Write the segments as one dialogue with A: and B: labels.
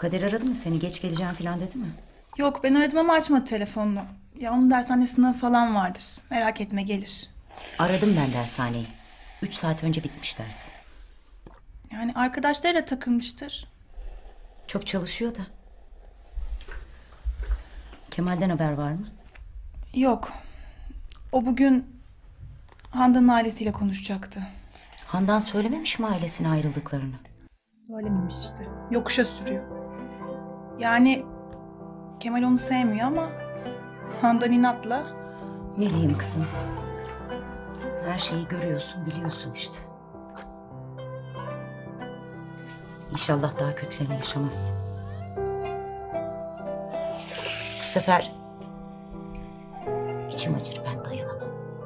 A: Kader aradı mı seni? Geç geleceğim falan dedi mi?
B: Yok, ben aradım ama açmadı telefonunu. Ya onun dershanede sınavı falan vardır. Merak etme, gelir.
A: Aradım ben dershaneyi. 3 saat önce bitmiş ders.
B: Yani arkadaşlarıyla takılmıştır.
A: Çok çalışıyor da. Kemal'den haber var mı?
B: Yok. O bugün Handan'ın ailesiyle konuşacaktı.
A: Handan söylememiş mi ailesine ayrıldıklarını?
B: Söylememiş işte. Yokuşa sürüyor. Yani Kemal onu sevmiyor ama Handan inatla.
A: Ne diyeyim kızım? Her şeyi görüyorsun, biliyorsun işte. İnşallah daha kötülerini yaşamazsın. Bu sefer içim acır, ben dayanamam.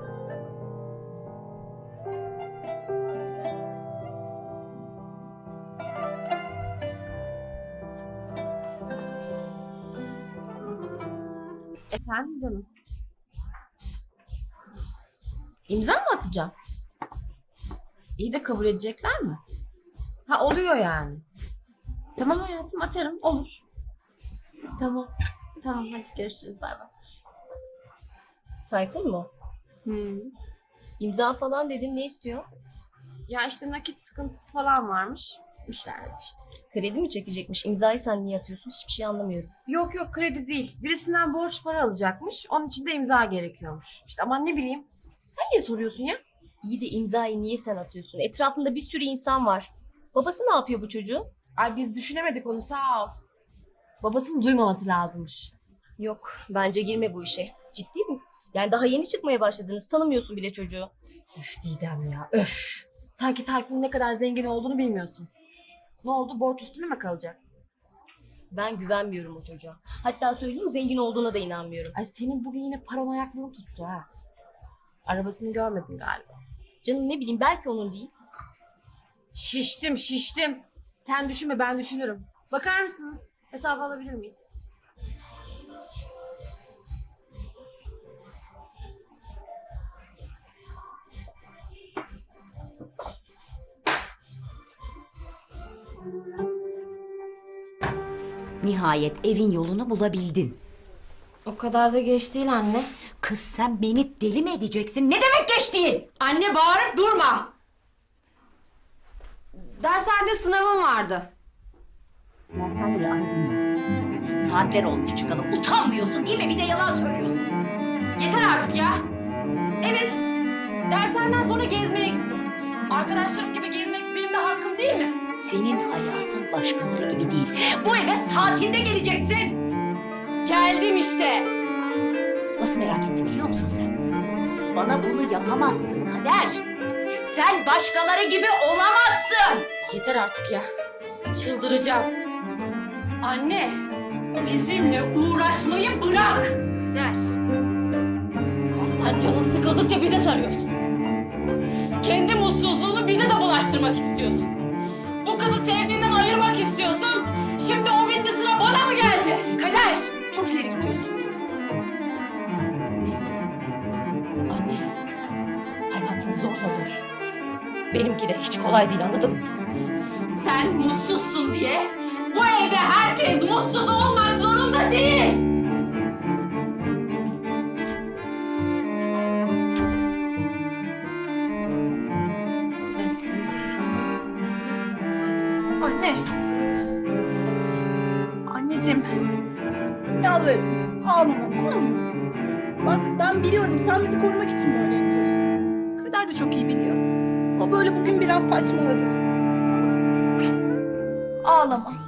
C: Efendim canım? İmza mı atacağım? İyi de kabul edecekler mi? Ha, oluyor yani. Tamam hayatım, atarım, olur. Tamam. Tamam, hadi görüşürüz, bay bay.
D: Tayfun mu? İmza falan dedin, ne istiyor?
C: Ya işte nakit sıkıntısı falan varmış. Bir şeyler işte.
D: Kredi mi çekecekmiş? İmzayı sen niye atıyorsun? Hiçbir şey anlamıyorum.
C: Yok yok, kredi değil. Birisinden borç para alacakmış. Onun için de imza gerekiyormuş. İşte aman ne bileyim. Sen niye soruyorsun ya?
D: İyi de imzayı niye sen atıyorsun? Etrafında bir sürü insan var. Babası ne yapıyor bu çocuğun?
C: Ay biz düşünemedik onu, sağ ol. Babasının duymaması lazımmış.
D: Yok, bence girme bu işe. Ciddi mi? Yani daha yeni çıkmaya başladınız. Tanımıyorsun bile çocuğu.
C: Öf Didem ya, öf. Sanki Tayfun'un ne kadar zengin olduğunu bilmiyorsun. Ne oldu, borç üstüne mi kalacak?
D: Ben güvenmiyorum o çocuğa. Hatta söyleyeyim, zengin olduğuna da inanmıyorum.
C: Ay senin bugün yine paranoyaklığın tuttu ha. Arabasını görmedin galiba.
D: Canım ne bileyim, belki onun değil.
C: Şiştim. Sen düşünme, ben düşünürüm. Bakar mısınız? Hesabı alabilir miyiz?
A: Nihayet evin yolunu bulabildin.
C: O kadar da geç değil anne.
A: Kız sen beni deli mi edeceksin? Ne demek geç değil?
C: Anne bağırıp durma. Dershanede sınavım vardı.
A: Dershanede aydın mı? Saatler olmuş çıkalı. Utanmıyorsun değil mi? Bir de yalan söylüyorsun.
C: Yeter artık ya. Evet. Dershaneden sonra gezmeye gittim. Arkadaşlarım gibi gezmek benim de hakkım değil mi?
A: Senin hayatın başkaları gibi değil. Bu eve saatinde geleceksin.
C: Geldim işte.
A: Nasıl merak ettim biliyor musun sen? Bana bunu yapamazsın Kader. Sen başkaları gibi olamazsın.
C: Yeter artık ya. Çıldıracağım. Anne, bizimle uğraşmayı bırak.
A: Kader.
C: Sen canın sıkıldıkça bize sarıyorsun. Kendi mutsuzluğunu bize de bulaştırmak istiyorsun. Bu kızı sevdiğinden ayırmak istiyorsun. Şimdi o bitti, sıra bana mı geldi?
B: Kader, çok ileri gidiyorsun.
C: Anne, hayatın zorsa zor. Benimki de hiç kolay değil, anladın mı? Sen mutsuzsun diye bu evde herkes mutsuz olmak zorunda değil.
A: Ben sizin mutsuz olmanızı istemiyorum.
B: Anne. Anneciğim. Yalvarırım. Ağlama, tamam mı? Bak ben biliyorum sen bizi korumak için böyle yapıyorsun. Kader de çok iyi biliyor. O böyle bugün biraz saçmaladı. Tamam. Ağlama.